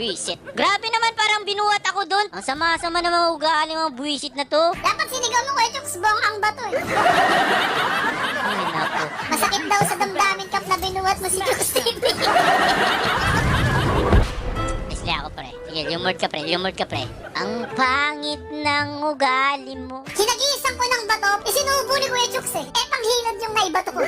Buisit. Grabe naman, parang binuhat ako doon. Ang sama-sama na mga ugali, mga buisit na to. Dapat sinigaw mo Kuya Chooks, bongkang bato eh. Ay, naku. Masakit daw sa damdamin kap na binuhat mo si Chooks TV. Isli ako, pre. Sige, lumord ka, pre. Lumord ka, pre. Ang pangit ng ugali mo. Sinagisan ko ng bato, isinubo ni Kuya Chooks eh. Eh, panghilad yung naibato ko.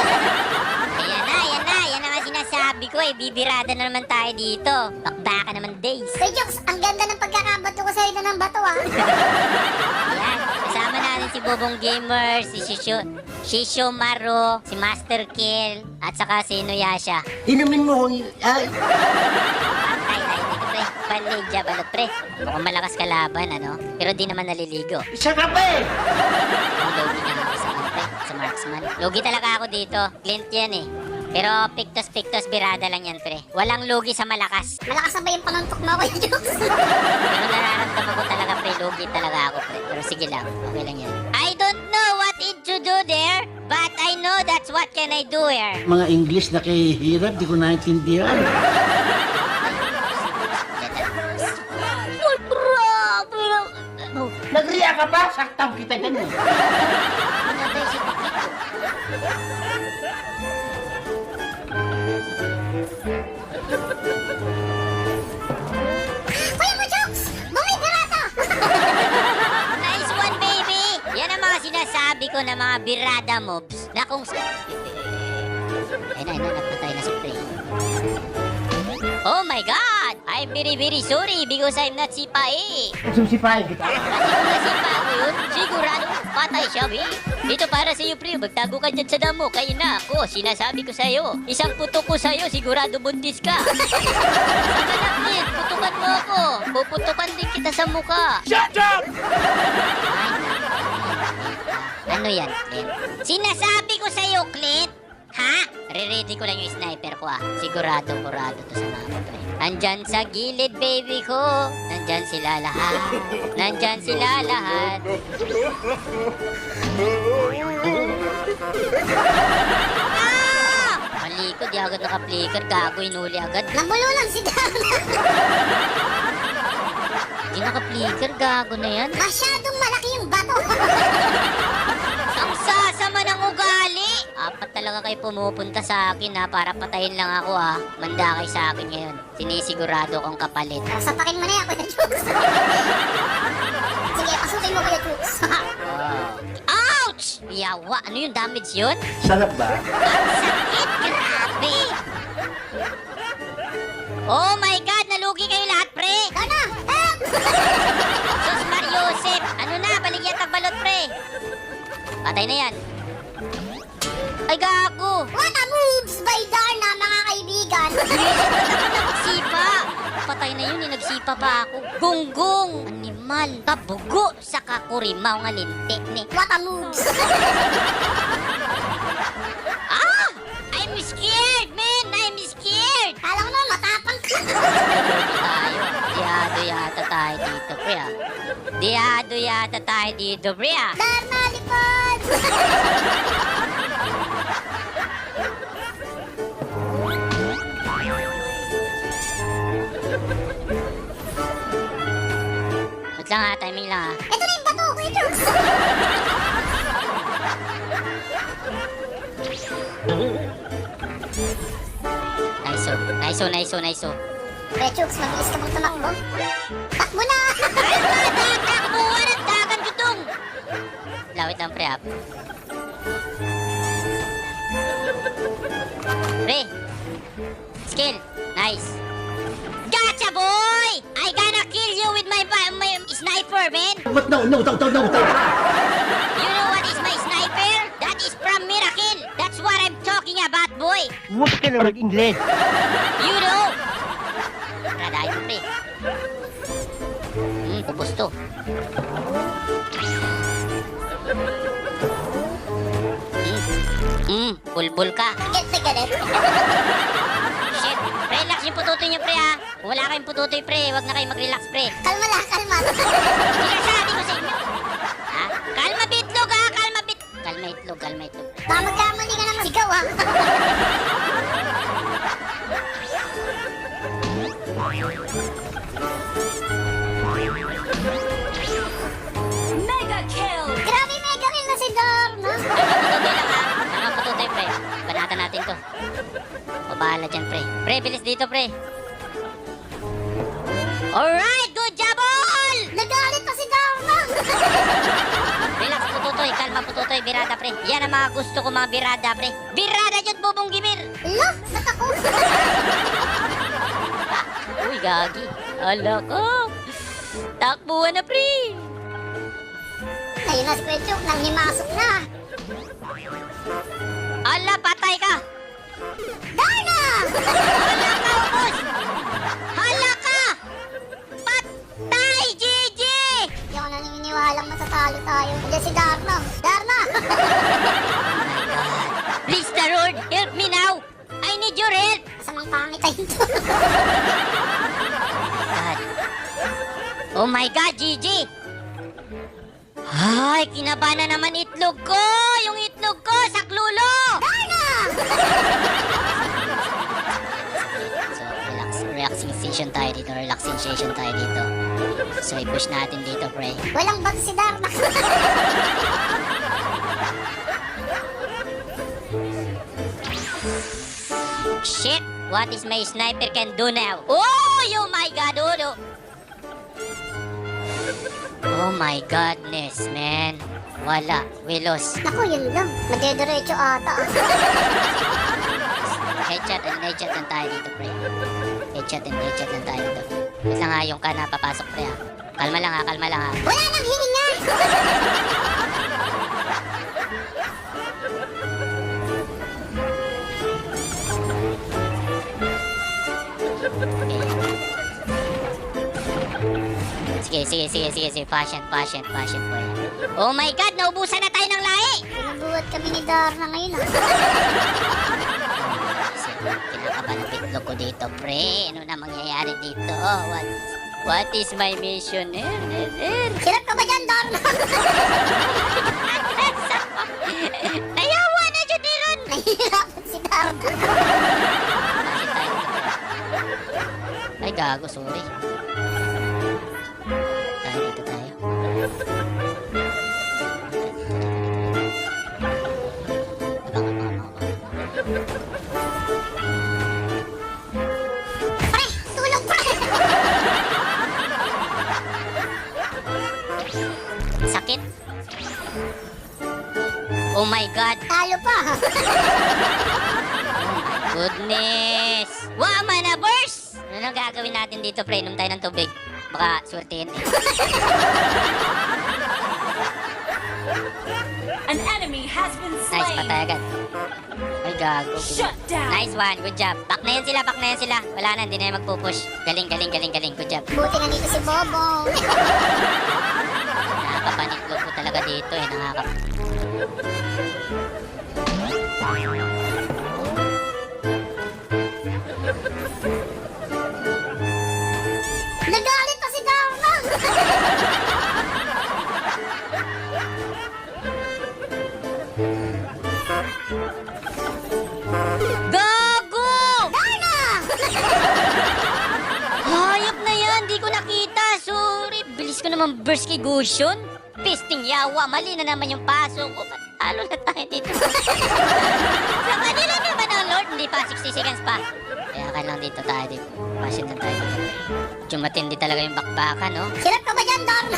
Yan na nga sinasabi ko eh. Bibirada na naman tayo dito. Bakbaka naman days. Kuya Chooks, ang ganda ng pagkakabato ko sa'yo na ng bato ah. Ayan, kasama natin si Bobong Gamer, si Shisho Maro, si Master Kill, at saka si Inuyasha. Inumin mo kung... Ay, Ay, dito pre. Panligya, balot pre. Mukhang malakas kalaban, ano? Pero di naman naliligo. isa ka pa eh! Ang logi na ako sa pre, sa marksman. Logi talaga ako dito. Clint yan eh. Pero pictos birada lang yan pre. Walang logi sa malakas. Malakas na ba yung panuntok mo Kuya Chooks? Pero nararamdaman ko talaga pre, logi talaga ako pre. Pero sige lang, okay lang yan. I don't know what it to do there, but I know that's what can I do here. Mga English na kahihirap, di ko naintindihan. Uy, grabe lang. Oh, Nagriya ka pa? Saktang kita dyan eh. pinatay si Pakito. Kuya mo Chooks, bumibirata! Nice one, baby! Yan ang mga sinasabi ko na mga birada mobs na kung... Ayun na, napatay na si Prey. Oh my God! I'm very sorry because I'm not sipae. Susipahin kita. Kasi kung nasipa ako yun, sigurado patay siya, be. Dito para sa iyo, Pre. Magtago ka dyan sa damo. Kayo na ako. Sinasabi ko sa'yo. Isang putok ko sa'yo, sigurado buntis ka. Saka na, Clint. Putukan mo ako. Puputukan din kita sa muka. Shut up! Ano yan, Clint? Sinasabi ko sa'yo, Clint. Ha? Re-ready ko lang yung sniper ko, ah. Sigurado to sa mga pre. Nandyan sa gilid, baby ko. Nandyan sila lahat. Nandyan sila lahat. Ah! Mali ko, di agad naka-flicker. Gago, inuli agad. Nabululan si Dana. Di naka-flicker, gago na yan. Masyadong malaki yung bato. Ang sasama ng ugali! Apat talaga kayo pumupunta sa akin ha, para patayin lang ako ha. Manda kayo sa akin ngayon. Sinisigurado kong kapalit. Sapakin mo na yan Kuya Chooks. Sige, pasukin mo Kuya Chooks. Ouch! Yawa, ano yung damage yun? Sarap ba? Ang sakit! Grabe! Oh my God! Nalugi kayo lahat, pre! Dana, help! Sus Mariosep! Ano na? Baligyan tagbalot, pre! Patay na yan. Ay, gago! What a moves by Darna, mga kaibigan. Nagsipa! Patay na yun, nagsipa pa ako. Gunggong! Animal! Kabugo sa kakurimaw nga linti ni. What a moves. Ah! I'm scared, man! I'm scared! Kala ko naman matapang ka. Tayo. Diyado yata tayo dito, pre, ah. Diyado yata tayo dito, pre, ah. Darna, lipad. Wait lang, ha. Timing lang, ha. Ito na yung bato, Kuya Chooks. Nice. Kuya Chooks, mabilis ka bang tumakbo? Takbo na. Ay, takbuhan at dagan jutong! Lawit lang, pre, ah. Pre! Skill! Nice! Gotcha, boy! I gonna kill you with my sniper, man! What? No. You know what is my sniper? That is from Miracle! That's what I'm talking about, boy! Huwag ka na mag-Ingles. You know! Radahin mo, pre. Ubus to. Bulbul ka. Galit. Shit. Relax yung pututoy niyo, pre, ha. Kung wala kayong pututoy, pre, wag na kayo mag-relax, pre. Kalma lang, kalma. Sinasabi ko sa inyo. Ha? Kalma bitlog, ha? Kalma itlog. Baka magkamali ka naman. Sigaw, ha? dyan, pre. Pre, bilis dito, pre. Alright, good job all! Nagalit pa si Darna! Relax, pututoy. Kalma, pututoy. Birada, pre. Yan ang mga gusto ko, mga birada, pre. Birada yun, bubong gimir. Ala, natako! Uy, gagi. Ala ko. Takbuhan na, pre. Ayun na si Kuya Chuk, nang himasok na. Ala, patay ka. Darna! Hala ka, ubos. Hala ka. Patay, Gigi. Hindi ako naniniwalang matatalo tayo. Diyan si Darna. Darna! Please, the Lord, help me now. I need your help. Masamang pangit tayo ito. God. Oh my God, Gigi! Ay, kinaba na naman itlog ko! Yung itlog ko, saklulo! Darna! So, relaxing session tayo dito. Relaxing session tayo dito. So, i-push natin dito, pre. Walang bato si Darna. Shit! What is my sniper can do now? Oh my God! Oh, no. Oh my godness, man. Wala. We lost. Naku, yun lang. Madediretso ata. Headshot lang tayo dito, pre. Headshot lang tayo dito. Wait lang ha, yung ka na papasok, pre ha. Kalma lang ha. Wala nang hininga! Sige. Fashion, boy. Oh my God, naubusan na tayo ng lahi! Pinabuhat kami ni Darna ngayon ah. Kinakabahan ng bitlog ko dito, pre. Ano na mangyayari dito? What is my mission? Hirap ka ba dyan, Darna? Nayawa na dyan, Diron! Nahihirapan si Darna. Ay, gago, sorry. Dito tayo. Pre, tulong pre! Sakit. Oh my God. Talo pa. Goodness. Wama na burst! Ano gagawin natin dito, pre? Inom tayo ng tubig. Baka swertihin. An enemy has been Nice, slain. patay agad. Ay, gago. Shut down. Nice one, good job. Back na yan sila. Wala na, hindi na yan magpupush. Galing. Good job. Buti na dito si Bobong. Nakakapaniklog ko talaga dito eh. Nagalit pa si Darna. Gago! Darna! Hayop na yan, di ko nakita. Sorry, bilis ko naman burst kay Gusion. Pisting yawa, mali na naman yung paso ko. Talo na tayo dito. Sa kanila naman ang Lord, hindi pa, 60 seconds pa. Kaya ka lang dito tayo dito. Pasin lang tayo dito. Medyo matindi talaga yung bakbakan, no? Hirap ka ba dyan, Darna?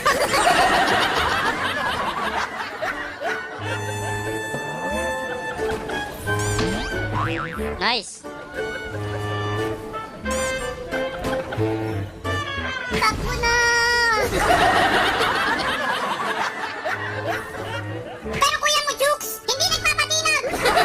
Nice. Takbo na! Pero kuya mo, Jukes, hindi nagpapatinag!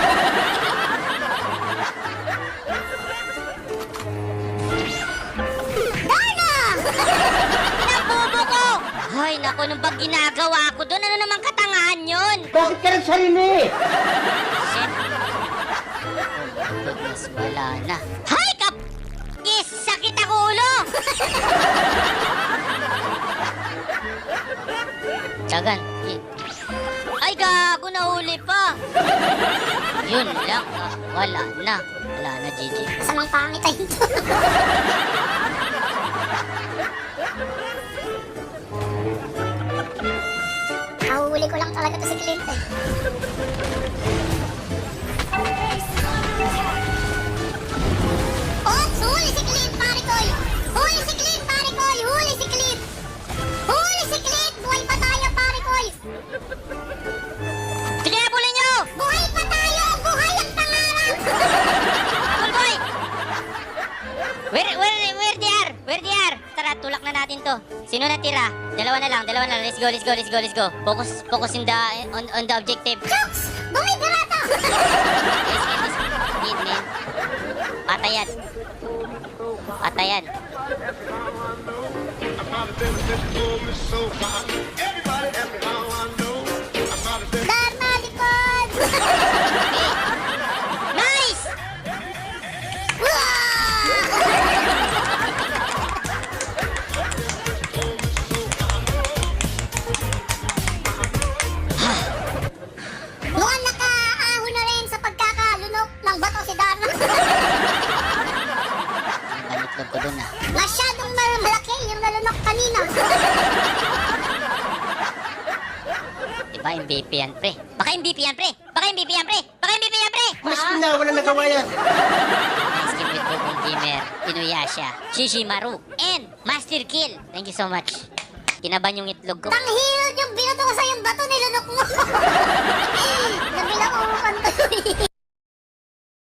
Darna! Nabubo ko! Ay, naku, nung bang ginagawa ko doon, ano naman katangahan yun? Bakit ka nagsarili? Shit. Oh my goodness, wala na. Hay, kap! Yes, sakit ako ulo! Tsagan. Ay, gago, nahuli pa. Yun lang. Wala na. Wala na, GG. Masamang pangit tayo ito. Nahuhuli ko lang talaga to si Clint eh. natin to. Sino natira? Dalawa na lang. Let's go. Focus on the objective. Chooks! Bumibira to! Need, man. Patayan. Dharma, likod! Nice! Mukhang nakaahon na rin sa pagkakalunok ng bato si Dharma. Panitlog ko dun ah. Masyadong malaki yung nalunok kanina. Diba MVP yan, pre? Baka MVP yan, pre! Mas na, wala nagawa yan. Nice game with Bobong Gamer, Inuyasha, Shishimaru, and Master Kill. Thank you so much. Kinaban yung itlog ko. Tanghilod yung binato ko sa yung bato nilunok mo. Nabilang upan to.